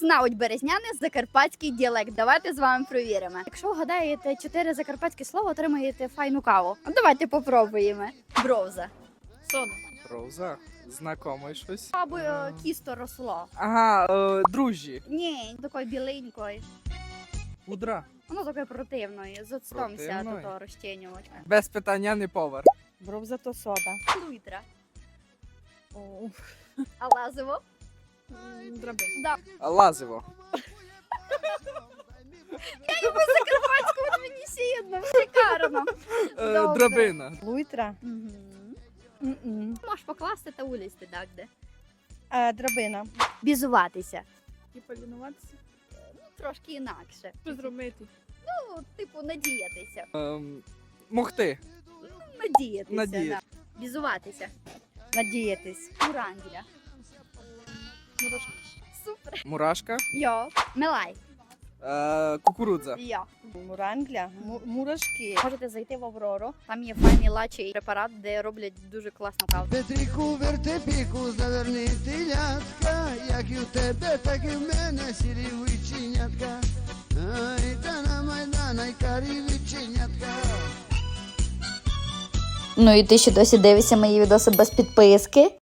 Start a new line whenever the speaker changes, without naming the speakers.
знають березняни закарпатський діалект. Давайте з вами перевіримо. Якщо вгадаєте 4 закарпатські слова, отримаєте файну каву. А давайте попробуємо. Бровза.
Сода.
Роза. Знакомий щось.
Або кісто росло.
Ага, дружі.
Ні, такої біленької.
Пудра.
Воно такої противної. З оцтомся
Противної?
того розчинювача.
Без питання не повар.
Бровза то сода.
Луйтра.
О,
А лазиво?
драбина.
Да.
Лазиво.
Я йому закарпатську, от мені сідно, шикарно. Добре.
Драбина.
Луйтра.
Мгм. Можеш покласти та улізти, так, де?
Драбина.
Бізуватися.
І полінуватися.
Трошки інакше.
Що зробити?
Ну, типу, надіятися.
Могти.
Надіятися,
Надіятися.
Да. Бізуватися.
Надіятись.
Урангеля. Супер.
Мурашка.
Йо. Мелай.
Кукурудза.
Йо.
Мурангля. Мурашки.
Можете зайти в Аврору. Там є файний лачий препарат, де роблять дуже класну каву.
Петрику, вертепіку, заверни телятка, як і в тебе, так і в мене сірі виченятка. Ай, та на Майдан, ай, карі виченятка.
Ну і ти ще досі дивишся мої відоси без підписки?